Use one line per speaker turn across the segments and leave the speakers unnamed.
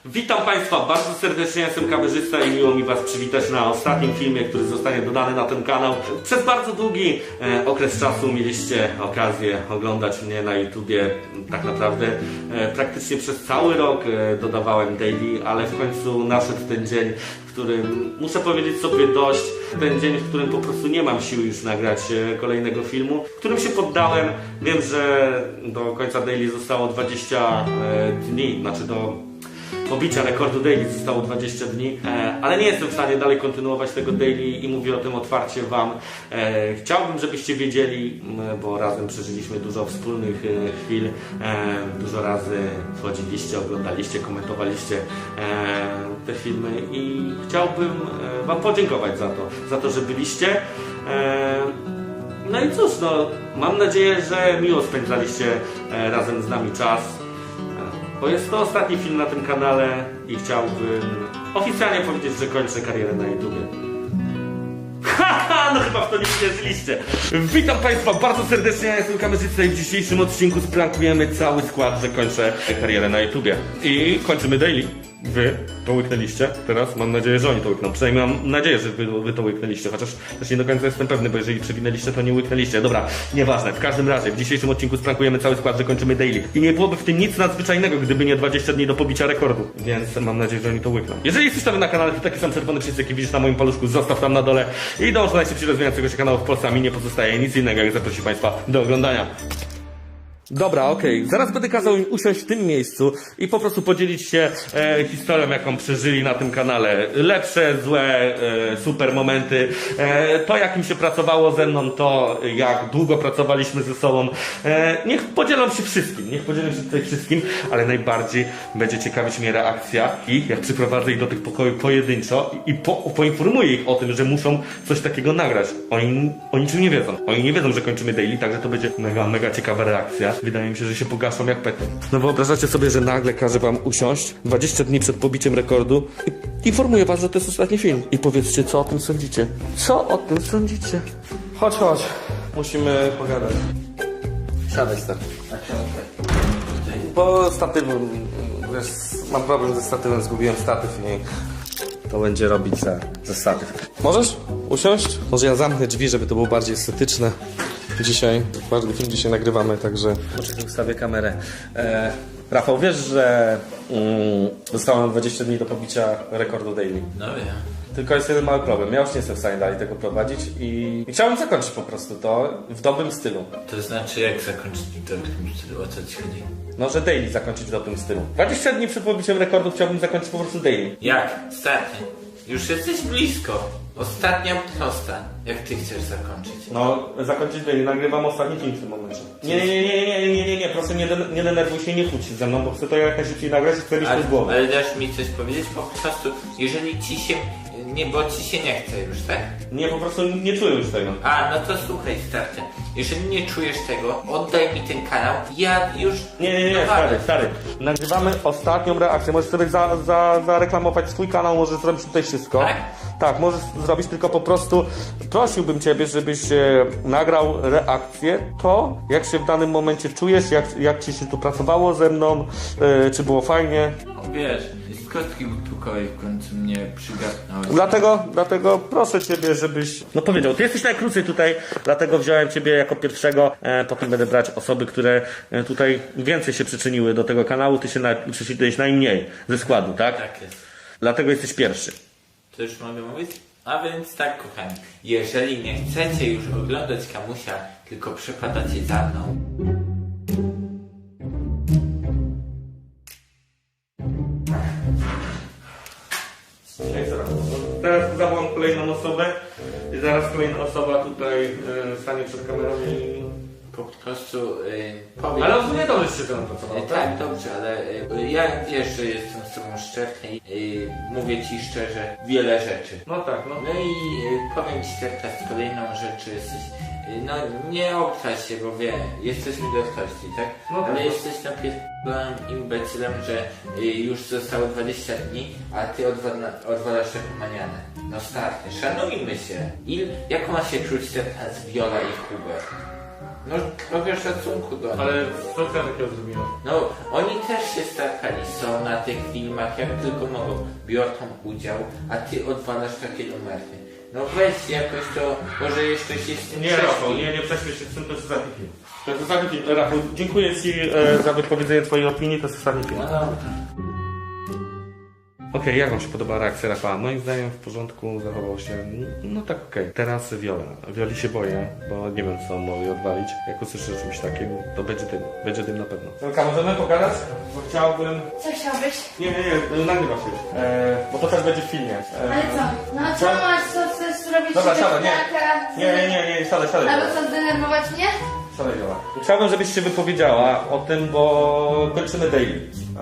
Witam Państwa bardzo serdecznie, jestem kamerzysta i miło mi Was przywitać na ostatnim filmie, który zostanie dodany na ten kanał. Przez bardzo długi okres czasu mieliście okazję oglądać mnie na YouTubie. Tak naprawdę praktycznie przez cały rok dodawałem daily, ale w końcu nadszedł ten dzień, w którym muszę powiedzieć sobie dość. Ten dzień, w którym po prostu nie mam siły już nagrać kolejnego filmu, w którym się poddałem. Wiem, że do końca daily zostało 20 dni, znaczy do pobicia rekordu daily zostało 20 dni, ale nie jestem w stanie dalej kontynuować tego daily i mówię o tym otwarcie Wam. Chciałbym, żebyście wiedzieli, bo razem przeżyliśmy dużo wspólnych chwil, dużo razy wchodziliście, oglądaliście, komentowaliście te filmy i chciałbym Wam podziękować za to, że byliście. No i cóż, no, mam nadzieję, że miło spędzaliście razem z nami czas. Bo jest to ostatni film na tym kanale i chciałbym oficjalnie powiedzieć, że kończę karierę na YouTubie. Haha, no chyba w to nie wierzyliście. Witam Państwa bardzo serdecznie, ja jestem kamerzysta i w dzisiejszym odcinku sprankujemy cały skład, że kończę karierę na YouTubie. I kończymy daily. Wy to łyknęliście, teraz mam nadzieję, że oni to łykną. Przynajmniej mam nadzieję, że wy to łyknęliście, chociaż też nie do końca jestem pewny, bo jeżeli przewinęliście, to nie łyknęliście. Dobra, nieważne. W każdym razie, w dzisiejszym odcinku sprankujemy cały skład, że kończymy daily. I nie byłoby w tym nic nadzwyczajnego, gdyby nie 20 dni do pobicia rekordu. Więc mam nadzieję, że oni to łykną. Jeżeli jesteś nowy na kanale, to taki sam czerwony przycisk, jaki widzisz na moim paluszku, zostaw tam na dole i dąż do najszybciej rozwijającego się kanału w Polsce, a mi nie pozostaje nic innego, jak zaprosić Państwa do oglądania. Dobra, okej. Zaraz będę kazał im usiąść w tym miejscu i po prostu podzielić się historią, jaką przeżyli na tym kanale. Lepsze, złe, super momenty. To, jak im się pracowało ze mną, to jak długo pracowaliśmy ze sobą. Niech podzielą się wszystkim. Niech podzielą się tutaj wszystkim, ale najbardziej będzie ciekawić mnie reakcja i jak przyprowadzę ich do tych pokojów pojedynczo i poinformuję ich o tym, że muszą coś takiego nagrać. Oni o niczym nie wiedzą. Oni nie wiedzą, że kończymy daily, także to będzie mega ciekawa reakcja. Wydaje mi się, że się pogaszą jak petem. No wyobrażacie sobie, że nagle każe wam usiąść 20 dni przed pobiciem rekordu i informuję was, że to jest ostatni film. I powiedzcie, co o tym sądzicie. Co o tym sądzicie? Chodź. Musimy pogadać. Siadaj, stary. Bo statywem, wiesz, mam problem ze statywem, zgubiłem statyw i to będzie robić za statyw. Możesz usiąść? Może ja zamknę drzwi, żeby to było bardziej estetyczne. Dzisiaj, ważny film dzisiaj nagrywamy, także poczekaj, ustawię kamerę. Rafał, wiesz, że zostało nam 20 dni do pobicia rekordu daily.
No wiem.
Tylko jest jeden mały problem. Ja już nie jestem w stanie dalej tego prowadzić i chciałem zakończyć po prostu to w dobrym stylu.
To znaczy jak zakończyć w dobrym stylu? O co ci chodzi?
No, że daily zakończyć w dobrym stylu. 20 dni przed pobiciem rekordu chciałbym zakończyć po prostu daily.
Jak? Ostatni. Już jesteś blisko. Ostatnia prosta. Jak ty chcesz zakończyć?
No, zakończyć daily. Nagrywam ostatni film w tym momencie. Nie, proszę nie denerwuj się, nie kłóć się ze mną, bo chcę to jak najszybciej nagrać i chcę mieć to z głowy.
Ale dasz mi coś powiedzieć? Po prostu, jeżeli ci się... Nie, bo ci się nie chce już, tak?
Nie, po prostu nie czuję już tego.
A, no to słuchaj, starczy. Jeżeli nie czujesz tego, oddaj mi ten kanał. Ja już...
Nie, stary. Nagrywamy ostatnią reakcję. Możesz sobie zareklamować swój kanał, możesz zrobić tutaj wszystko.
Tak?
Tak, możesz zrobić, tylko po prostu prosiłbym Ciebie, żebyś nagrał reakcję, to jak się w danym momencie czujesz, jak Ci się tu pracowało ze mną, czy było fajnie.
No wiesz, z kostki butukowej w końcu mnie przygarnąłeś.
Dlatego proszę Ciebie, żebyś... No powiedział, Ty jesteś najkrócej tutaj, dlatego wziąłem Ciebie jako pierwszego, potem będę brać osoby, które tutaj więcej się przyczyniły do tego kanału, Ty się przyczyniłeś najmniej ze składu, tak?
Tak jest.
Dlatego jesteś pierwszy.
To już mogę mówić? A więc tak, kochani, jeżeli nie chcecie już oglądać Kamusia, tylko przepadacie za mną.
Teraz zawołam kolejną osobę i zaraz kolejna osoba tutaj stanie przed kamerą i...
Po prostu powiem...
Ale ogólnie dobrze się to pracowało,
tak, dobrze, ale ja wiesz, że jestem z tobą szczery i mówię ci szczerze wiele rzeczy.
No tak, no.
No i powiem ci teraz kolejną rzecz, że jesteś... No nie obraź się, bo wie, jesteśmy dorosłości, tak?
No tak.
Ale jesteś napierdolonym imbecylem, że już zostało 20 dni, a ty odwalasz taką manianę. No starty, szanujmy się. Jaką ma się czuć teraz Viola i Hubert? No trochę szacunku do nich.
Ale co ja takiego zrobiłem?
No, oni też się starali, są na tych filmach jak tylko mogą, biorą udział, a ty odwalasz takie numery. No weź jakoś to, może jeszcze się z tym
Nie,
prześpij.
Rafał, nie prześmiesz się z tym, to jest ostatni film. To jest ostatni film. Rafał, dziękuję Ci za wypowiedzenie Twojej opinii, to jest ostatni film.
No dobra.
Okej, jak Wam się podoba reakcja Rafała? Moim zdaniem w porządku, zachował się, no tak okej. Teraz Viola. Wioli się boję, bo nie wiem co mogli odwalić. Jak usłyszę czymś takim, to będzie dym na pewno. Wiolka, możemy pogadać? Bo chciałbym...
Co chciałbyś?
Nie, nagrywa się już. Bo to też będzie w filmie.
Ale co? No co masz, co chcesz zrobić?
Dobra, siadaj,
nie.
nie, siadaj.
Albo co, zdenerwować mnie?
Siadaj, Viola. Chciałbym, żebyś się wypowiedziała o tym, bo kończymy daily.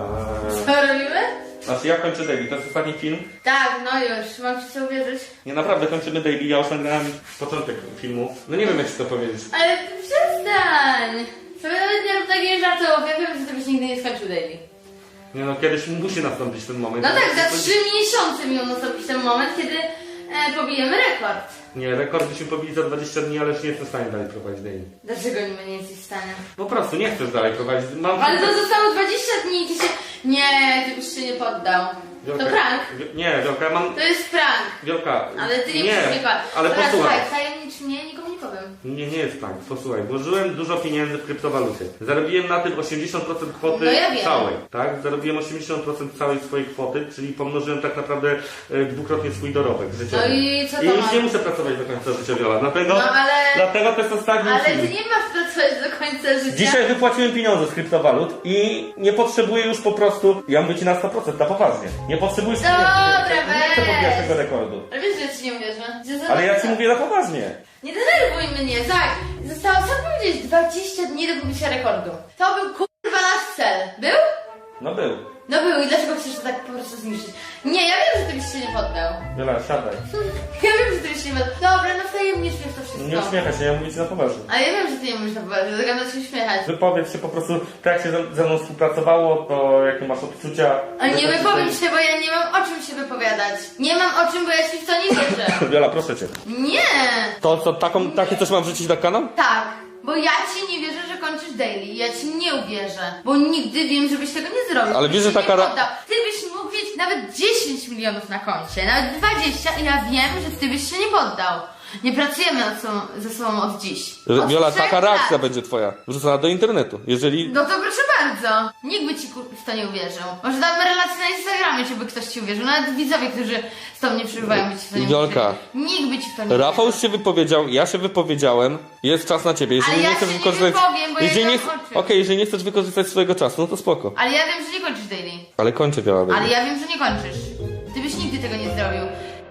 Co robimy?
Znaczy ja kończę daily, to jest ostatni film.
Tak, no już, mam ci co uwierzyć.
Nie, naprawdę kończymy daily, ja już nagrałem początek filmu. No nie wiem jak ci to powiedzieć.
Ale ty przestań! Sobie nawet nie rób takich żartów, ja wiem, że ty byś nigdy nie skończył daily.
Nie no, kiedyś musi nastąpić ten moment.
No tak, za 3 miesiące miał nastąpić ten moment, kiedy pobijemy rekord.
Nie, rekord byśmy pobili za 20 dni, ale już nie jestem w stanie dalej prowadzić daily.
Dlaczego nie jesteś w stanie?
Po prostu nie chcesz dalej prowadzić. Mam...
Ale to zostało 20 dni i ty się... Nie, ty byś się nie poddał.
Wielka,
To prank.
Nie, Wielka, mam...
To jest prank.
Wielka,
Ale ty nie
nie,
musisz mnie kłamać.
ale
Dobra,
posłuchaj.
słuchaj, tajemnicz mnie, nikomu nie powiem.
Nie jest prank, posłuchaj, włożyłem dużo pieniędzy w kryptowaluty. Zarobiłem na tym 80% kwoty
No ja wiem.
całej, tak? Zarobiłem 80% całej swojej kwoty, czyli pomnożyłem tak naprawdę dwukrotnie swój dorobek życiowy.
No i co to
I już
ma?
nie muszę pracować do końca życia, Viola. Dlatego,
No
dlatego to jest ostatni
Ale
film.
ty nie masz pracować do końca życia.
Dzisiaj wypłaciłem pieniądze z kryptowalut i nie potrzebuję już po prostu, ja mówię ci na 100%, na poważnie. Nie potrzebuję
Dobra,
nie chcę
weź.
pobijać tego rekordu.
Ale wiesz, że ja ci nie uwierzę.
Ale ja ci mówię na poważnie.
Nie denerwuj mnie, tak. Zostało, co powiedzieć, 20 dni do pobicia rekordu. To był kurwa nasz cel. Był?
No był.
No był i dlaczego chcesz to tak po prostu zniszczyć? Nie, ja wiem, że ty byś się nie poddał.
Viola, siadaj.
Ja wiem, że ty byś się nie poddał. Dobra, no wtajemnicz mnie w to wszystko.
Nie uśmiechaj się, ja mówię ci na poważnie.
Ale ja wiem, że ty nie mówisz na poważnie, zagadam się uśmiechać.
Wypowiedz się po prostu, tak jak się ze mną współpracowało, to jakie masz odczucia.
Ale nie
Wypowiedz
wypowiem się, bo ja nie mam o czym się wypowiadać. Nie mam o czym, bo ja ci w to nie wierzę.
Viola, proszę cię.
Nie!
To co, takie coś mam wrzucić na kanał?
Tak, bo ja ci nie wierzę, że kończysz daily. Ja ci nie uwierzę, bo nigdy wiem, żebyś tego nie zrobił.
Ale
Byś
wiesz, że
się
taka
nie poddał. Ty byś mógł mieć nawet 10 milionów na koncie, nawet 20 i ja wiem, że ty byś się nie poddał. Nie pracujemy ze sobą od dziś. Od
Viola,
3
taka reakcja
lat.
będzie twoja. Wrzucona do internetu. Jeżeli...
No to proszę bardzo. Nikt by ci w to nie uwierzył. Może damy relację na Instagramie, żeby ktoś ci uwierzył. Nawet widzowie, którzy z tobą nie przebywają, by ci w to nie
Wiolka.
uwierzył. Nikt by ci w to nie
Rafał
uwierzył.
już się wypowiedział, ja się wypowiedziałem. Jest czas na ciebie. Jeżeli
Ale ja
nie chcesz
się nie
wykorzystać...
wypowiem, bo ja
jeżeli
nie
nie...
mam o czym.
Okej, jeżeli nie chcesz wykorzystać swojego czasu, no to spoko.
Ale ja wiem, że nie kończysz daily.
Ale kończę, Viola. baby.
Ale ja wiem, że nie kończysz. Ty byś nigdy tego nie zrobił.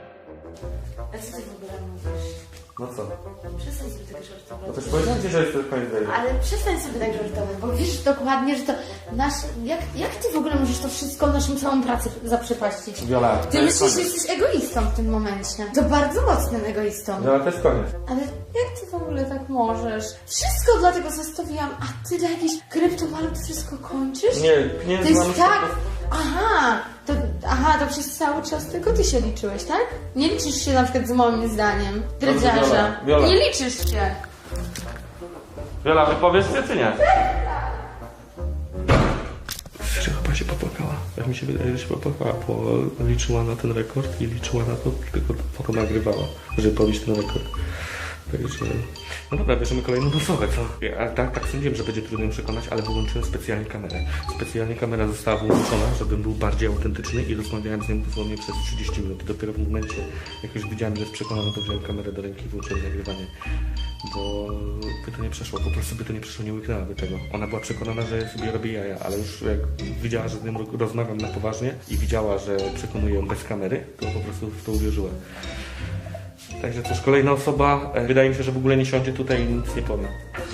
Ale co ty w ogóle mówisz?
No co?
Przestań sobie tak żartować.
No też powiedziałem ci, że jest to koniec daily.
Ale przestań sobie tak żartować, bo wiesz dokładnie, że to nasz... Jak ty w ogóle możesz to wszystko, naszą całą pracę zaprzepaścić?
Viola, to
Ty
jest
myślisz, że
koniec.
jesteś egoistą w tym momencie. To bardzo mocnym egoistą.
Viola, to jest koniec.
Ale jak ty w ogóle tak możesz? Wszystko dlatego zostawiłam, a ty dla jakichś kryptowalut wszystko kończysz?
Nie,
To
pieniędzy mamy
jest tak...
po prostu-
to przez cały czas tylko ty się liczyłeś, tak? Nie liczysz się na przykład z moim zdaniem.
Dobrze,
Dredziarza.
Viola.
Nie liczysz się.
Viola, wypowiesz się czy nie? Serio, chyba się popłakała. Jak mi się wydaje, że się popłakała, bo liczyła na ten rekord i liczyła na to, tylko potem nagrywała, żeby pobić ten rekord. Także... No dobra, bierzemy kolejną osobę, co? Ja tak sądziłem, że będzie trudno ją przekonać, ale wyłączyłem specjalnie kamerę. Specjalnie kamera została wyłączona, żebym był bardziej autentyczny i rozmawiałem z nią dosłownie przez 30 minut. I dopiero w momencie, jak już widziałem, że jest przekonana, to wziąłem kamerę do ręki i włączyłem nagrywanie. Bo by to nie przeszło, po prostu by to nie przeszło, nie łyknęłaby tego. Ona była przekonana, że sobie robię jaja, ale już jak widziała, że z nią rozmawiam na poważnie i widziała, że przekonuję ją bez kamery, to po prostu w to uwierzyła. Także cóż, kolejna osoba, wydaje mi się, że w ogóle nie siądzie tutaj i nic nie powie.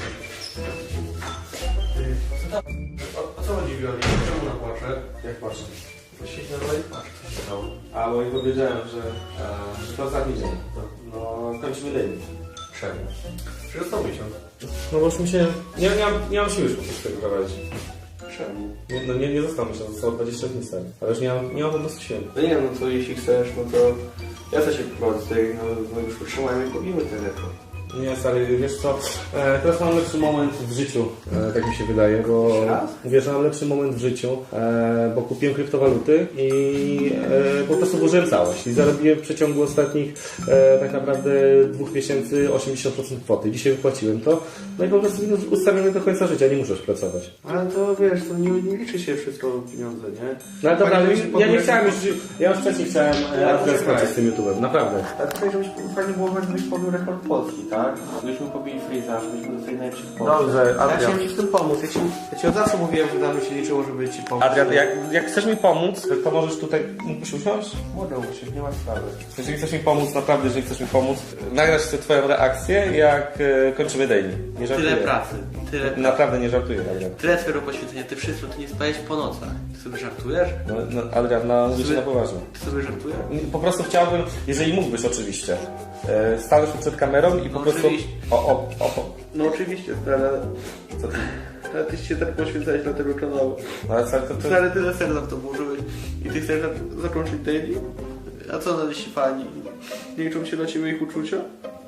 O co chodzi, Wioli? Czemu ona płacze? Jak płacze? Siedź na dole i płacze.
A bo i powiedziałem, że to ostatni dzień. No, kończymy daily.
Czemu? Przecież został miesiąc.
No bo już mi się... Nie mam siły już po prostu tego prowadzić.
Czemu?
Nie został miesiąc, zostało 20 dni stary. Ale już nie mam po prostu siły.
No nie, no to jeśli chcesz, no to ja też się prowadzę tutaj, no już utrzymajmy i pobijmy ten rekord. Nie, stary, wiesz co, teraz mam lepszy moment w życiu, tak mi się wydaje, bo wiesz, mam lepszy moment w życiu, bo kupiłem kryptowaluty i po prostu włożyłem całość i zarobiłem w przeciągu ostatnich tak naprawdę 2 miesięcy 80% kwoty. Dzisiaj wypłaciłem to, no i po prostu ustawiony do końca życia, nie muszę już pracować.
Ale to wiesz, to nie liczy się wszystko pieniądze, nie?
No ale dobra,
Fajnie,
ale
żebyś
ja nie
podjął-
chciałem ja już wcześniej chciałem skończyć z tym YouTube'em, naprawdę.
Ale tutaj, żebyś fajnie było, żebyś pobił rekord Polski, tak? Żebyśmy pobili Freeza, żebyśmy dostali najlepszych w Polsce.
Dobrze,
Ja
Adrian.
chciałem mi w tym pomóc. Ja ci od zawsze mówiłem, że dla mnie się liczyło, żeby ci pomóc.
Adrian, jak chcesz mi pomóc, to możesz tutaj, mógłbyś usiąść?
Młodą się, nie ma sprawy.
Jeżeli chcesz mi pomóc, naprawdę, jeżeli chcesz mi pomóc, nagrać chcę twoją reakcję, jak kończymy daily. Nie żartuję.
Tyle pracy, tyle
Naprawdę nie żartuję, Adrian.
Tyle twojego poświęcenia, ty wszystko, ty nie spałeś po nocach. Ty sobie żartujesz?
No, Adrian, no mówię ci na poważnie.
Ty sobie żartujesz?
Po prostu chciałbym, jeżeli mógłbyś oczywiście, stanąć przed kamerą i po
No
prostu...
oczywiście.
No
oczywiście, stary.
Co ty?
Ale ty się tak poświęcałeś dla tego kanału.
No, ale to...
Stary, tyle serca w to włożyłeś i ty chcesz zakończyć daily? A co na dziś fani? Nie liczą się dla ciebie ich uczucia?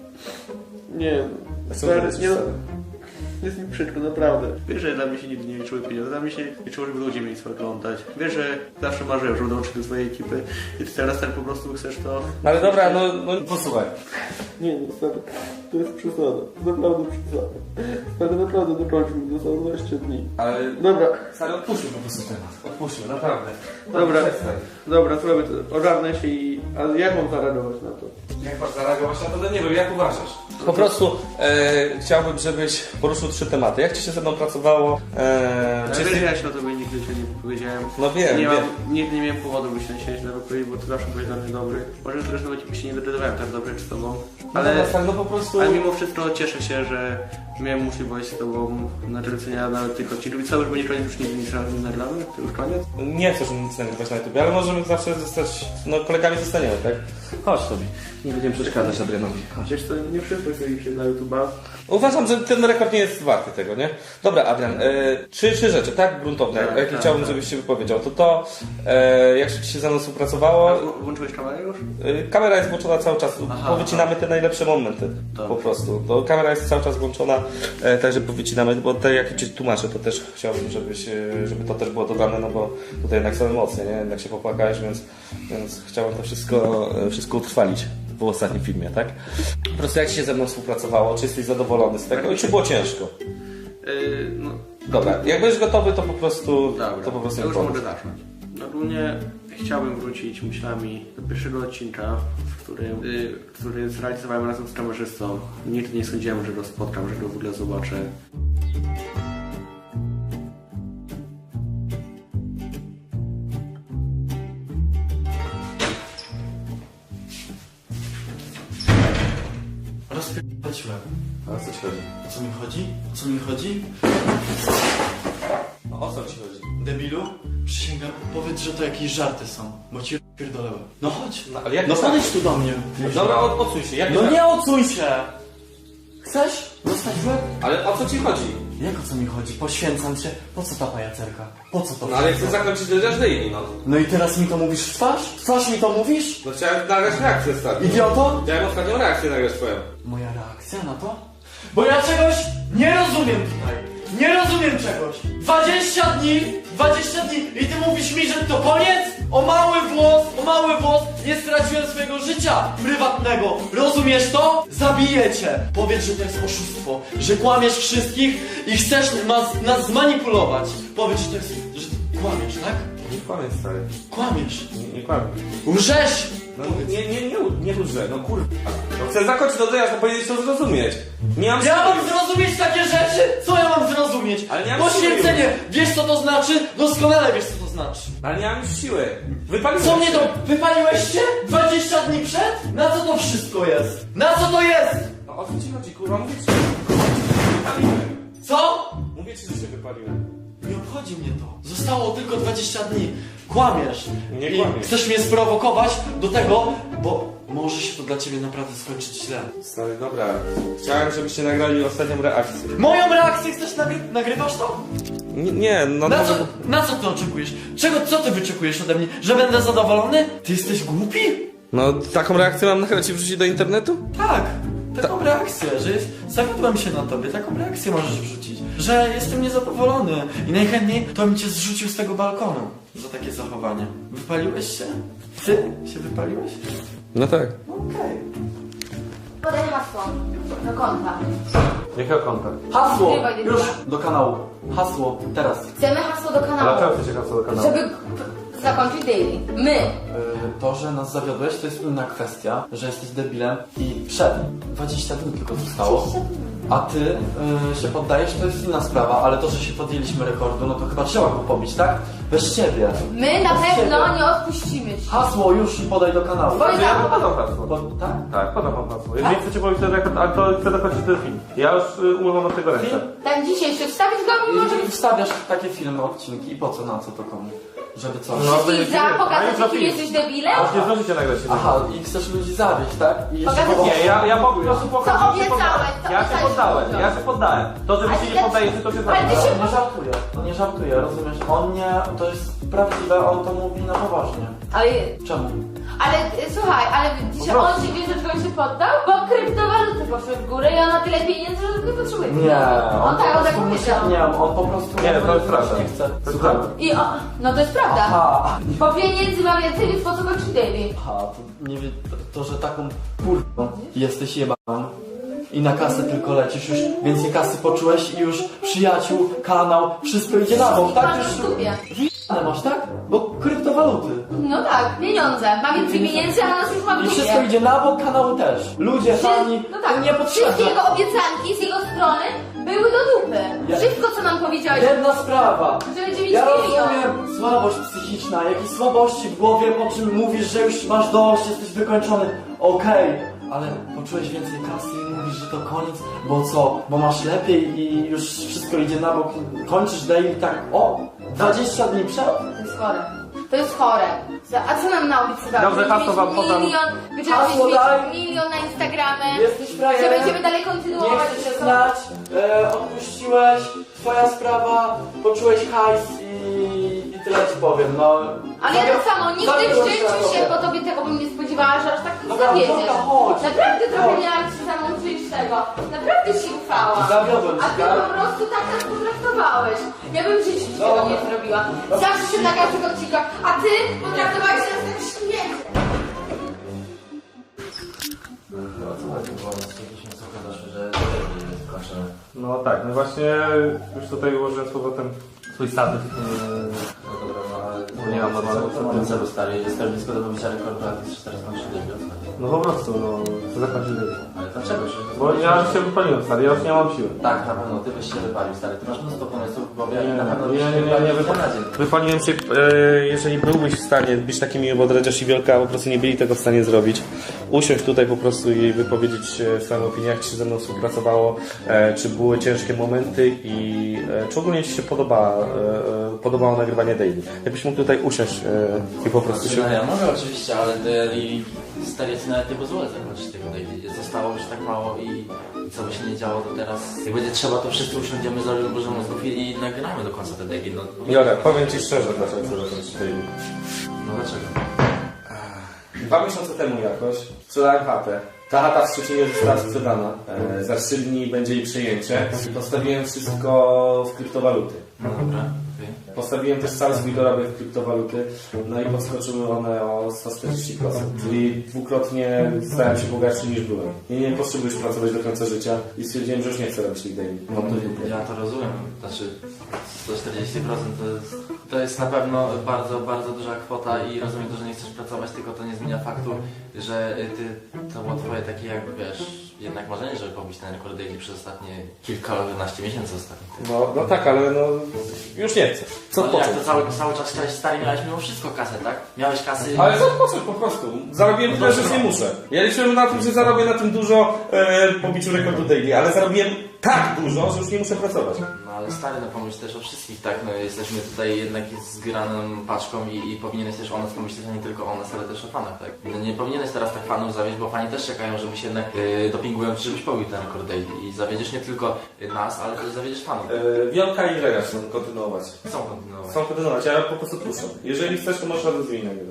Nie,
Co
stary,
ty
nie no.
stary?
Jest mi przykro, naprawdę. Wiesz, że dla mnie się nigdy nie liczyły pieniądze, dla mnie się liczyło, żeby ludzie mieli co oglądać. Wiesz, że zawsze marzyłem, żeby dołączyć do swojej ekipy i ty teraz tak po prostu chcesz to...
No ale dobra, no posłuchaj.
Nie, stary, to jest przesada. Naprawdę przesada. Stary, naprawdę dokończ mi, zostało 20 dni.
Ale...
Dobra,
Stary, odpuśćmy po prostu temat. Odpuśćmy, naprawdę.
dobra,
Przestań.
dobra, zrobię to. Ogarnę się i... Ale jak mam zareagować na to?
Jak masz zareagować na to? No nie wiem, jak uważasz? Po prostu chciałbym, żebyś poruszył 3 tematy. Jak ci się ze mną pracowało?
Ale wiesz, ja się o tobie nigdy się nie powiedziałem.
No wiem,
nie
wiem.
Nigdy nie miałem powodu, by się na siebie powiedzieć, bo ty zawsze byłeś dla mnie dobry. Może też nawet się nie dogadywałem tak dobrze z tobą.
Ale no po prostu...
Ale mimo wszystko cieszę się, że miałem możliwość z tobą nakręcenia nawet tych odcinków. I co, już będzie koniec, już nigdy nic nie nagramy? To już koniec?
Nie chcesz nic nagrywać na YouTube, ale możemy zawsze zostać, no kolegami zostaniemy, tak? Chodź sobie, nie będziemy przeszkadzać Adrianowi. Chodź.
Wiesz co, nie wszystko się na YouTube'a.
Uważam, że ten rekord nie jest warty tego, nie? Dobra, Adrian, 3 rzeczy, tak? Gruntowne,
Tak,
jakie
tak,
chciałbym,
tak.
żebyś się wypowiedział. Jak się ci się ze mną współpracowało?
Włączyłeś kamerę już?
Kamera jest włączona cały czas,
Aha,
powycinamy te najlepsze momenty,
Dobra.
po prostu. To kamera jest cały czas włączona, także powycinamy, bo te jak ci tłumaczę, to też chciałbym, żeby to też było dodane, no bo tutaj jednak są emocje, nie? Jednak się popłakałeś, więc chciałem to wszystko utrwalić w ostatnim filmie, tak? Po prostu jak ci się ze mną współpracowało, czy jesteś zadowolony z tego i czy było ciężko?
No,
Dobra, jak będziesz gotowy, to po prostu
dobra.
to po prostu
Ja już
mi
mogę
powiedz.
zacząć. Ogólnie chciałbym wrócić myślami do pierwszego odcinka, który zrealizowałem razem z kamerzystą. Nigdy nie sądziłem, że go spotkam, że go w ogóle zobaczę.
Rozpierdoliłem.
A o co ci chodzi?
O co mi chodzi? O co mi chodzi?
No, o co ci chodzi?
Debilu? Przysięgam, powiedz, że to jakieś żarty są, bo ci rozpierdolałem. No chodź.
No, ale jak
No
to
podejdź tu do mnie.
Dobra, odsuń się, jak
No nie odsuń się! Chcesz dostać w łeb?
Ale o co ci chodzi?
Jak o co mi chodzi? Poświęcam się. Po co ta pajacerka? Po co to
No ale chcę
wszystko?
zakończyć Dredziarz Daily, no.
No i teraz mi to mówisz w twarz? W twarz mi to mówisz?
No chciałem nagrać reakcję ostatnią.
Idioto?
Chciałem ostatnią reakcję nagrać twoją.
Moja reakcja na to? Bo ja czegoś nie rozumiem tutaj. Nie rozumiem czegoś. 20 dni i ty mówisz mi, że to koniec? O mały włos nie straciłem swojego życia prywatnego. Rozumiesz to? Zabiję cię. Powiedz, że to jest oszustwo, że kłamiesz wszystkich i chcesz nas zmanipulować. Powiedz, że to jest, że ty kłamiesz, tak?
Nie kłamię, stary.
Kłamiesz.
Nie kłamię.
Łżesz!
No nie łżę, no kurwa. No chcę zakończyć Dredziarz, no powinieneś to zrozumieć. Nie mam
Ja
siły.
mam zrozumieć takie rzeczy? Co ja mam zrozumieć?
Ale nie mam
Poświęcenie!
siły.
Wiesz co to znaczy? Doskonale wiesz co to znaczy.
Ale nie mam już siły. Wypaliłem
Co mnie
się.
to... Wypaliłeś się? 20 dni przed? Na co to wszystko jest? Na co to jest?
No o co ci chodzi, kurwa? Mówię ci, że wypaliłem.
Co?
Mówię ci, że się wypaliłem.
Nie obchodzi mnie to. Zostało tylko 20 dni. Kłamiesz.
Nie
I
kłamię.
chcesz mnie sprowokować do tego, bo może się to dla ciebie naprawdę skończyć źle.
Stary, dobra. Chciałem, żebyście nagrali ostatnią reakcję.
Moją reakcję chcesz nagrywasz to?
Nie, no...
Na co ty oczekujesz? Co ty wyczekujesz ode mnie? Że będę zadowolony? Ty jesteś głupi?
No taką reakcję mam nagrać i wrzucić do internetu?
Tak, taką reakcję, że zawiodłem się na tobie, taką reakcję możesz wrzucić, że jestem niezadowolony i najchętniej to bym cię zrzucił z tego balkonu za takie zachowanie. Wypaliłeś się? Ty się wypaliłeś?
No tak.
Okej.
Podaj hasło do konta.
Jakiego konta?
Hasło!
Zgrywaj
Już
dybla.
do kanału. Hasło, teraz.
Chcemy hasło do
Ale
kanału.
czemu chcecie hasło do kanału?
Żeby zakończyć daily. My.
To, że nas zawiodłeś, to jest inna kwestia, że jesteś debilem i przed 20 dni tylko zostało. A ty się poddajesz, to jest inna sprawa, ale to, że się podjęliśmy rekordu, no to chyba trzeba go pobić, tak? Bez ciebie.
My na
Bez
pewno
ciebie.
nie odpuścimy ci.
Hasło już podaj do kanału.
Podaj.
Ja podam hasło.
Tak?
Tak, podam wam hasło. Jeżeli chcecie powiedzieć ten rekord, ale to chcę dokończyć ten film. Ja już umywam od tego ręce.
Film?
Ten dzisiejszy wstawić go mimo, że
I wstawiasz takie filmy, odcinki i po co, na co to komu? Żeby co?
wszystkich za pokazać, jakim jesteś debilem?
Aż nie zdążycie nagrać się.
Aha, i chcesz ludzi zawieść, tak? I jeszcze
Pokazać-
powołać-
Nie, ja po prostu pokażę,
Co
że się poddałem.
obiecałeś, co
Ja się
obiecałeś,
poddałem,
co
ja się poddałem. To, że wy
Ale
się nie
ja-
poddajecie, to się
Ale ty
zaczyna.
się-
Nie żartuje, on nie żartuje, rozumiesz? On nie, to jest prawdziwe, on to mówi na poważnie.
Ale,
Czemu?
słuchaj, ale dzisiaj on się wie, że czego się poddał? Bo kryptowaluty poszły w górę i on ma tyle pieniędzy, że tylko potrzebuje.
Nie,
On tak
po prostu
powiedział.
nie, on po prostu...
Nie, to jest prawda.
Nie chce.
To jest prawda.
I o, no to jest prawda.
Aha,
Bo pieniędzy ma więcej, więc po co kończyć daily?
aha, to nie wie, to, że taką kurwą jesteś jebaną i na kasę tylko lecisz, już więcej kasy poczułeś i już przyjaciół, kanał, wszystko idzie na bok, tak?
Masz
Już
w dupie.
ale masz, tak? Bo kryptowaluty.
No tak, pieniądze. Ma więcej pieniędzy, a nas już ma w
I
dupie.
wszystko idzie na bok, kanału też. Ludzie, fani,
No tak,
nie
wszystkie
potrzebne.
jego obiecanki z jego strony były do dupy.
Ja-
Wszystko, co nam powiedziałeś,
Jedna sprawa.
że będzie mieć
Ja
milion.
rozumiem słabość psychiczna, jakieś słabości w głowie, po czym mówisz, że już masz dość, jesteś wykończony. Okej, ale poczułeś więcej kasy i mówisz, że to koniec, bo co? Bo masz lepiej i już wszystko idzie na bok. Kończysz daily tak, o, 20 dni przed?
To jest chore. To jest chore. A co nam naobiecywałeś?
Dobrze,
Będziemy
hasło wam
mieć
podam.
będziemy
Hasło
mieć
daj.
milion na Instagramie.
Jesteś frajerem.
Że będziemy dalej
Nie
kontynuować.
chcę się znać, odpuściłeś, twoja sprawa, poczułeś hajs i tyle ci powiem, no.
Ale ja tak samo, nigdy w
Zawiodłem
życiu
na
się
tobie.
po tobie tego bym nie spodziewała, że aż tak
Dobra,
zawiedziesz.
dobra, chodź.
Naprawdę trochę
Chodź.
miałam się za mną przyjść tego. Naprawdę się ufałam.
Zawiodłem
A
cię,
ty
tak?
po prostu tak nas potraktowałeś. Ja bym w życiu ci tego nie zrobiła. Zawsze się na każdych odcinkach, a ty potraktowałeś nas tak śmiesznie.
No co chodzi, bo jakieś słuchy doszły, że nie jest skończone.
No tak, no właśnie już tutaj ułożyłem z powrotem swój statyw.
No dobra, no ale...
Nie mam normalnego
co mam celu stary? Jestem blisko do pobicia rekordu, a ty chcesz teraz kończyć debiut?
No po prostu, no, chcę zakończyć debiut.
Ale dlaczego?
Bo ja już się wypaliłem, stary, ja już nie mam siły.
Tak, na pewno, ty byś się wypalił, stary. Ty masz mnóstwo pomysłów w głowie i na pewno byś
Nie,
się
nie,
wypalił
nie,
dzień na dzień.
wypaliłem się, jeżeli byłbyś w stanie być taki miły, bo Dredziarz i Wielka po prostu nie byli tego w stanie zrobić. Usiąść tutaj po prostu i wypowiedzieć swoją opinię, jak Ci się ze mną współpracowało, czy były ciężkie momenty i czy ogólnie Ci się podobało nagrywanie daily. Jakbyś mógł tutaj usiąść i po prostu się...
No ja mogę oczywiście, ale stary, ja ci nawet nie pozwolę zakończyć tego daily. Zostało już tak mało i co by się nie działo, to teraz jak będzie trzeba, to wszyscy usiądziemy, zrobimy dużo mózgów i nagramy do końca te daily. No,
Jora, powiem Ci szczerze, dlaczego chcę zakończyć daily.
no dlaczego?
2 miesiące temu jakoś sprzedałem chatę. Ta chata w Szczecinie została sprzedana. Za 3 dni będzie jej przejęcie. Postawiłem wszystko w kryptowaluty.
No dobra, okej.
Postawiłem też cały swój dorobek w kryptowaluty, no i podskoczyły one o 140%. Czyli dwukrotnie stałem się bogatszy niż byłem. I nie potrzebujesz pracować do końca życia i stwierdziłem, że już nie chcę robić tych daily. Mam to w dupie.
Ja to rozumiem, znaczy 140% to jest na pewno bardzo, bardzo duża kwota i rozumiem to, że nie chcesz pracować, tylko to nie zmienia faktu, że to było twoje takie jakby, wiesz, jednak marzenie, żeby pobić ten rekord daily przez ostatnie kilkanaście miesięcy ostatnich.
No tak, ale no już nie chcę. Co
No jak
odpocząć?
to cały czas chciałeś, stary, miałeś mimo wszystko kasę, tak? Miałeś kasy...
Ale co odpocząć po prostu? Zarobiłem tyle, że już nie muszę. Ja liczyłem na tym, że zarobię na tym dużo po biciu rekordu daily, ale zarobiłem tak dużo, że już nie muszę pracować.
No ale stary, no pomyśl też o wszystkich, tak? No jesteśmy tutaj jednak zgraną paczką i powinieneś też o nas pomyśleć, a nie tylko o nas, ale też o fanach, tak? No nie powinieneś teraz tak fanów zawieść, bo fani też czekają, żebyś jednak dopingują ci, żebyś pobił ten rekord daily i zawiedziesz nie tylko nas, ale też zawiedziesz fanów.
Wielka i Dredziarz chcą kontynuować.
Chcą kontynuować.
Chcą kontynuować, ja po prostu puszczam. Jeżeli chcesz, to możesz razem z nimi nagrywać.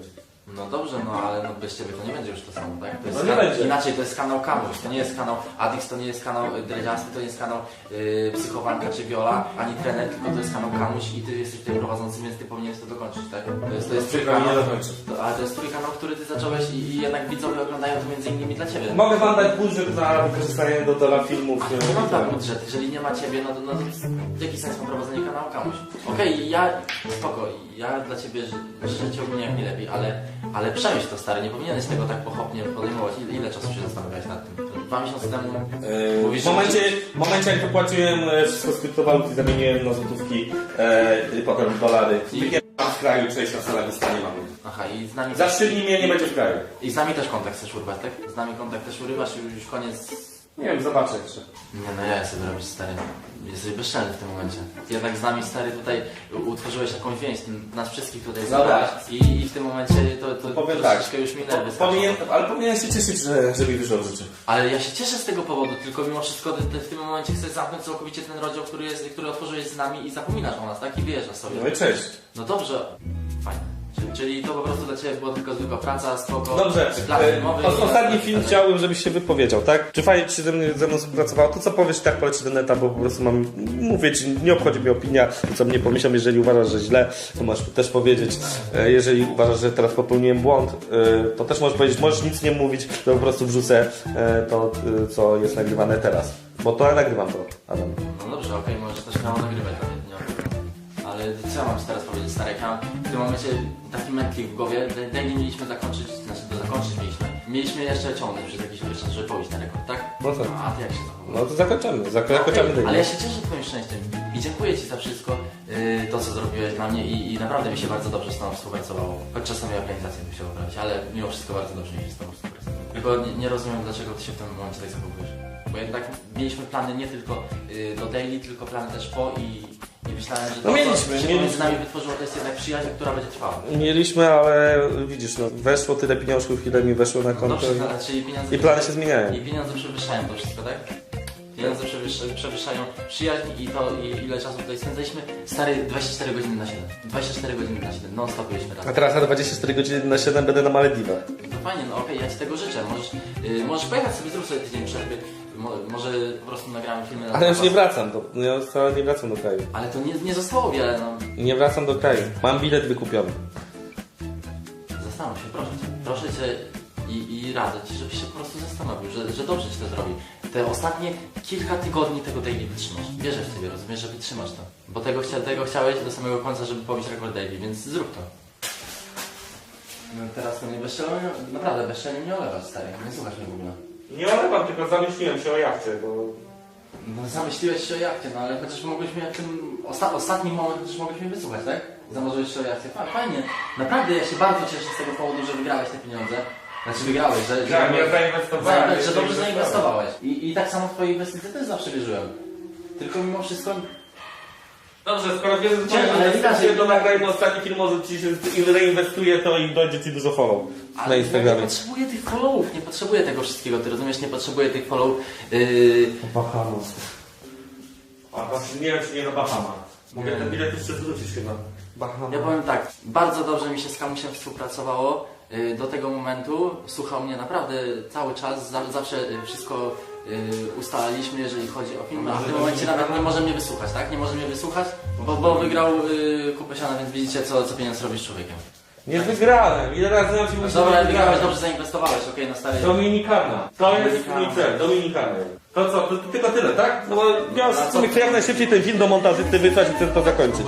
No dobrze, no ale no bez ciebie to nie będzie już to samo, tak? To jest
No nie będzie.
Inaczej, to jest kanał Kamuś, to nie jest kanał Adix, to nie jest kanał Dredziasty, to nie jest kanał Psychowanka czy Viola, ani trener, tylko to jest kanał Kamuś i ty jesteś tutaj prowadzący, więc ty powinieneś to dokończyć, tak? To jest twój kanał, ale to jest twój kanał, który ty zacząłeś i jednak widzowie oglądają to między innymi dla ciebie.
Mogę wam dać budżet na wykorzystanie dla filmów.
Nie mam tak budżet, jeżeli nie ma ciebie, no to jaki sens ma prowadzenie kanału Kamuś? Okej, ja, spoko, ja dla ciebie życzę ci ogólnie jak najlepiej, ale przemyśl to stary, nie powinieneś tego tak pochopnie podejmować. Ile czasu się zastanawiałeś nad tym? 2 miesiące temu mówisz,
W momencie jak wypłaciłem wszystko z kryptowalut i zamieniłem na złotówki i potem dolary. Wypierdam w kraju, przejść na salę nie mam.
Aha, i z nami
Za 3 dni mnie nie będzie w kraju.
I z nami też kontakt chcesz urywać, tak? Z nami kontakt też urywasz i już koniec.
Nie wiem, zobaczę jeszcze.
Nie no, ja sobie robisz stary. Jesteś bezczelny w tym momencie. Jednak z nami stary tutaj utworzyłeś jakąś więź, nas wszystkich tutaj zabrałeś i w tym momencie to
powiem
troszeczkę
tak,
już mi nerwy
ale powinien się cieszyć, że mi wyszło w życiu.
Ale ja się cieszę z tego powodu, tylko mimo wszystko ty w tym momencie chcesz zamknąć całkowicie ten rozdział, który otworzyłeś z nami i zapominasz o nas, tak? I wyjeżdżasz sobie.
No i cześć.
No dobrze, fajnie. Czyli to po prostu dla ciebie była tylko zwykła praca, spoko.
Dobrze, ostatni film chciałbym, żebyś się wypowiedział, tak? Czy fajnie ci się ze mną współpracowało? To co powiesz, tak poleci do neta, bo po prostu mówię ci, nie obchodzi mnie opinia, co mnie pomyślą, jeżeli uważasz, że źle, to możesz też powiedzieć. Jeżeli uważasz, że teraz popełniłem błąd, to też możesz powiedzieć, możesz nic nie mówić, to po prostu wrzucę to, co jest nagrywane teraz. Bo to ja nagrywam to, Adam.
No dobrze, okej, możesz też kanał nagrywać, nie ale co ja mam ci teraz powiedzieć, stary? Ja w tym momencie taki mętlik w głowie, daily mieliśmy zakończyć, mieliśmy jeszcze ciągnąć przez jakiś czas, żeby pobić ten rekord, tak?
No co?
A ty jak się zachowujesz?
No to zakończymy daily.
Ale ja się cieszę twoim szczęściem i dziękuję ci za wszystko, to co zrobiłeś dla mnie i naprawdę mi się bardzo dobrze z tobą współpracowało. Choć czasami organizację bym chciał robić, ale mimo wszystko bardzo dobrze mi się z tobą współpracowało. Tylko nie rozumiem, dlaczego ty się w tym momencie tak zachowujesz. Bo jednak mieliśmy plany nie tylko do daily, tylko plany też po i myślałem, że to, co się między nami wytworzyło, to jest jednak przyjaźń, która będzie trwała.
Mieliśmy, ale widzisz, no, weszło tyle pieniążków, ile mi weszło na konto
Dobrze, czyli pieniądze
i plany się zmieniają.
I pieniądze przewyższają to wszystko, tak? Pieniądze przewyższają przyjaźń i to ile czasu tutaj spędzaliśmy. Stary, 24 godziny na 7. 24 godziny na 7, non stop byliśmy razem.
A teraz na 24 godziny na 7 będę na Malediwach.
No fajnie, no okej, ja ci tego życzę. Możesz pojechać sobie, zrób sobie tydzień przerwy. Może po prostu nagramy filmy na
Ale już nie wracam ja wcale nie wracam do kraju.
Ale to nie zostało wiele, no.
Nie wracam do kraju. Mam bilet wykupiony.
Zastanów się, proszę cię i radzę ci, żebyś się po prostu zastanowił, że dobrze ci to zrobi. Te ostatnie kilka tygodni tego daily wytrzymasz. Wierzę w ciebie, rozumiesz, że wytrzymasz to. Bo tego chciałeś do samego końca, żeby pobić rekord daily, więc zrób to. No teraz to mnie bezczelnie, naprawdę bezczelnie mnie olewasz, stary. Nie słuchasz mnie w ogóle.
Nie olewam, tylko zamyśliłem się o jachcie, bo...
No zamyśliłeś się o jachcie, no ale chociaż mogłeś mnie w tym ostatnim moment chociaż mogłeś mnie wysłuchać, tak? Zamarzyłeś się o jachcie. Fajnie. Naprawdę ja się bardzo cieszę z tego powodu, że wygrałeś te pieniądze. Znaczy wygrałeś, że
ja zainwestowałem.
Że dobrze zainwestowałeś. I tak samo w twojej inwestycji też zawsze wierzyłem. Tylko mimo wszystko...
Dobrze, skoro wiesz,
ale widać, że
do nagrania ostatni film, może ci się reinwestuje to i dojdzie ci dużo follow na Instagramie.
Ja nie potrzebuję tych followów, nie potrzebuję tego wszystkiego, ty rozumiesz, nie potrzebuję tych followów.
Bahamas. A właśnie nie wiem, czy nie na Bahama. Mogę ten bilet jeszcze zwrócić chyba. Bahama.
Ja powiem tak, bardzo dobrze mi się z Kamusiem współpracowało do tego momentu. Słuchał mnie naprawdę cały czas, zawsze wszystko ustalaliśmy, jeżeli chodzi o film, a w tym momencie nawet nie może mnie wysłuchać, tak? Nie może mnie wysłuchać, bo wygrał kupę siana, więc widzicie, co pieniądz robi z człowiekiem.
Nie wygrałem. Ile razy ja ci mówię,
Dobra, wygrałeś, dobrze zainwestowałeś, okej, na stary.
Dominikana. To jest mój cel, Dominikana. To co, to tylko tyle, tak? No bo ja sobie chcę jak najszybciej ten film do montażysty wysłać i chcę to zakończyć.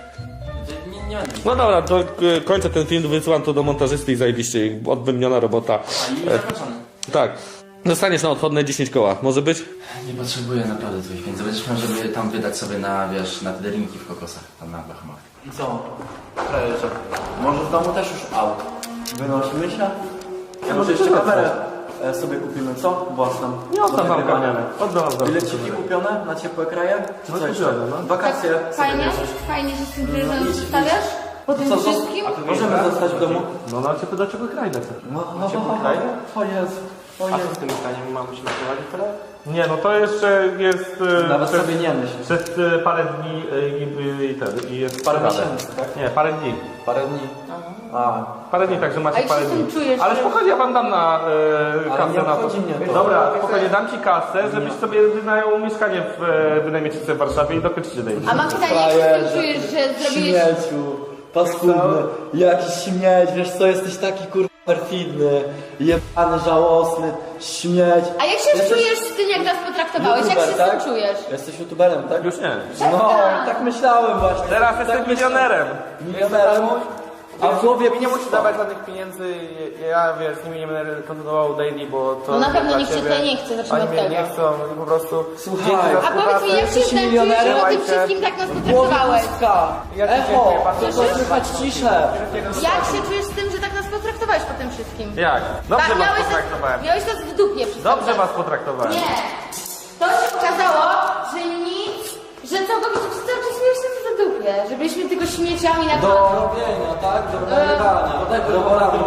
Nie będę.
No dobra, to kończę ten film, wysyłam to do montażysty i zajebiście, odbębniona robota.
A i zakończony.
Tak. Dostaniesz na odchodne 10 koła, może być?
Nie potrzebuję naprawdę twoich pieniędzy. Będziesz miał, żeby tam wydać sobie na, wiesz, na te drinki w kokosach, tam na Bahamach.
I co? Frajerze, może w domu też już aut. Wynosimy się? Ja może jeszcze kamerę sobie kupimy, co? Własną. Nie oddam wam kamerę. Oddam. Bileciki kupione na ciepłe kraje? Czy co jeszcze? Wakacje sobie
Fajnie,
bierzesz.
fajnie, że z tym prezentem przedstawiasz? Po tym wszystkim?
Możemy zostać w domu?
No na ciepłe do czego kraj tak?
No, ciepłe kraje? O Jezu. O Jezu.
Z tym zdaniem mamy się prowadzić teraz?
Nie, no to jeszcze jest...
Nawet sobie nie myśl.
Przez parę dni i jest...
Parę miesięcy, tak?
Nie, parę dni.
Parę dni.
Aha.
Parę dni, także
A
macie
jak
parę
się z tym
dni.
czujesz?
Ale spokojnie, ja wam dam na kasę
nie
na to.
obchodzi mnie to.
Dobra, spokojnie, dam ci kasę, żebyś sobie wynajął mieszkanie wynajmiecie sobie w Warszawie i dokończycie daily.
A mam pytanie, jak się z tym czujesz, że zrobiłeś...
Śmieciu, paskudny, jakiś śmieć, wiesz co, jesteś taki kurwa perfidny, jebany, żałosny, śmieć.
A jak się czujesz z tym, jak nas potraktowałeś? Jak się z tym
tak?
czujesz?
Jesteś youtuberem, tak?
Już nie.
No, tak myślałem właśnie.
Teraz
tak
jestem milionerem.
Milionerem? A w głowie
Mi nie musisz dawać żadnych pieniędzy, ja wiesz, z nimi nie będę kontynuował daily, bo to...
No na pewno
dla
nikt cię
ciebie.
tutaj nie chce, zacznijmy
Oni
od
mnie
tego.
nie chcą, oni po prostu...
Słuchaj,
Dzięki za
A powiedz mi, jak się
jesteś
z tym czujesz,
milionerem?
że o tym
Słuchajcie.
wszystkim tak nas
w głowie
potraktowałeś?
puska.
Ja ci
Echo,
dziękuję bardzo.
tylko słychać ciszę.
Jak się czujesz z tym, że tak nas potraktowałeś po tym wszystkim?
Jak? Dobrze was
miałeś
potraktowałem.
miałeś to w dupie przez
Dobrze
cały czas.
was potraktowałem.
Nie! To się okazało, że nic, że całkowicie przez cały czas miałeś to w dupie, że byliśmy tylko śmieciami na
Do robienia, tak? Do nagrywania. Do porady.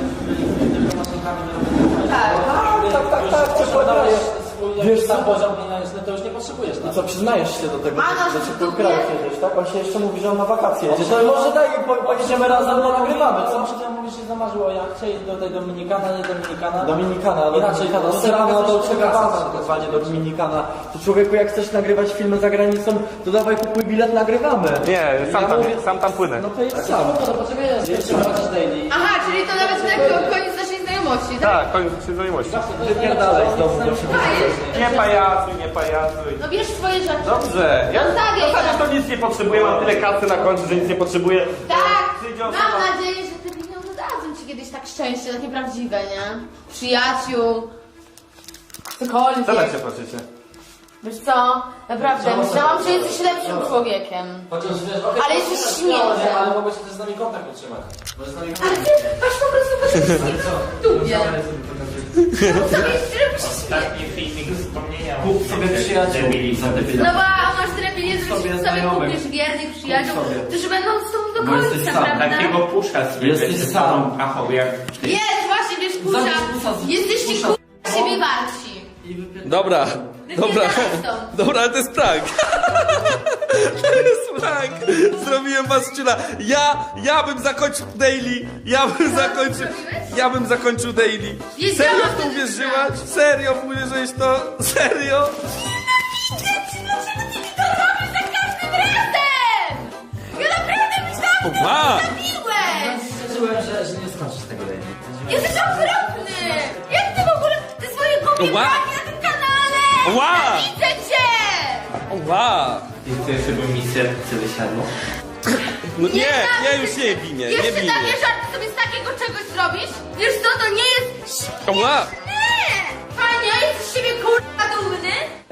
Tak.
Tak, przekładajesz. Wiesz co?
poziom pieniężny, to już nie potrzebujesz
I co, przyznajesz się do tego,
A, no,
że ci
to
po kraju
nie.
kiedyś, tak? On się jeszcze mówi, że on na wakacje jedzie. To może daj, pojedziemy razem, no nagrywamy, co?
Może ty mówisz, że zamarzyło, ja chcę iść do tej Dominikana, nie Dominikana.
Dominikana,
Inaczej,
Dominikana.
to
Serano
coś
do Gabbana,
pokazać.
dokładnie, do Dominikana. To człowieku, jak chcesz nagrywać filmy za granicą, to dawaj kupuj bilet, nagrywamy.
Nie,
mówię-
sam tam płynę.
No to jest sam.
No to potrzebuję jeszcze daily.
Aha, czyli to nawet koniec naszej znajomości, tak?
Tak, koniec znajomości.
Wypierdalaj z domu, bo się
Nie pajacuj, nie pajacuj.
No bierz swoje rzeczy.
Dobrze, ja
Zostawiaj
to nic nie potrzebuję, mam tyle kasy na koncie, że nic nie potrzebuję.
Tak!
Przyjdzie
Mam
osoba-
nadzieję, że te pieniądze dadzą ci kiedyś tak szczęście, takie prawdziwe, nie? Przyjaciół.
Co tak
Cokolwiek.
się patrzycie?
Wiesz co? Naprawdę, myślałam, że jesteś lepszym człowiekiem.
Chociaż wiesz, okej,
Ale jesteś
nie,
śmieciem.
ale mogłeś też z nami kontakt utrzymać. Możesz z nami
Ale ty masz po prostu w dupie. No sobie robisz śmiech.
filmik wspomnienia.
Kup sobie przyjaciół za te
No
pieniądze.
bo masz tyle pieniędzy, że sobie kupisz wiernych przyjaciół, którzy będą z tobą do końca, prawda?
Takiego pusza sobie
Jesteś
ze
sam.
sobą pachoł, jak
Jest, właśnie, wiesz, pusza. Jesteście k***a siebie warci.
Dobra, dobra,
Wypierdalaj stąd.
dobra, ale to jest prank. To jest prank. Zrobiłem was ciula. Ja bym zakończył daily. Ja bym zakończył daily.
Wiedziałam,
Serio
że
w to
to jest
uwierzyłaś? Serio uwierzyłeś to? Serio?
Ja naprawdę myślałam,
Ła!
że zabiłeś!
Czułem, że nie skończysz tego daily.
Jesteś okropny! Jak ty w ogóle, te swoje głupie
Ła!
braki na tym kanale!
Ła!
Widzę cię!
Ła!
I chcesz, żeby mi serce wysiadło?
No nie, ja już nie bij mnie, nie
Jeszcze
bij
takie
mnie.
żarty sobie z takiego czegoś zrobisz? Wiesz co, to nie jest
Ła!
śmieszne! Fajnie, jesteś z siebie kurwa dumny?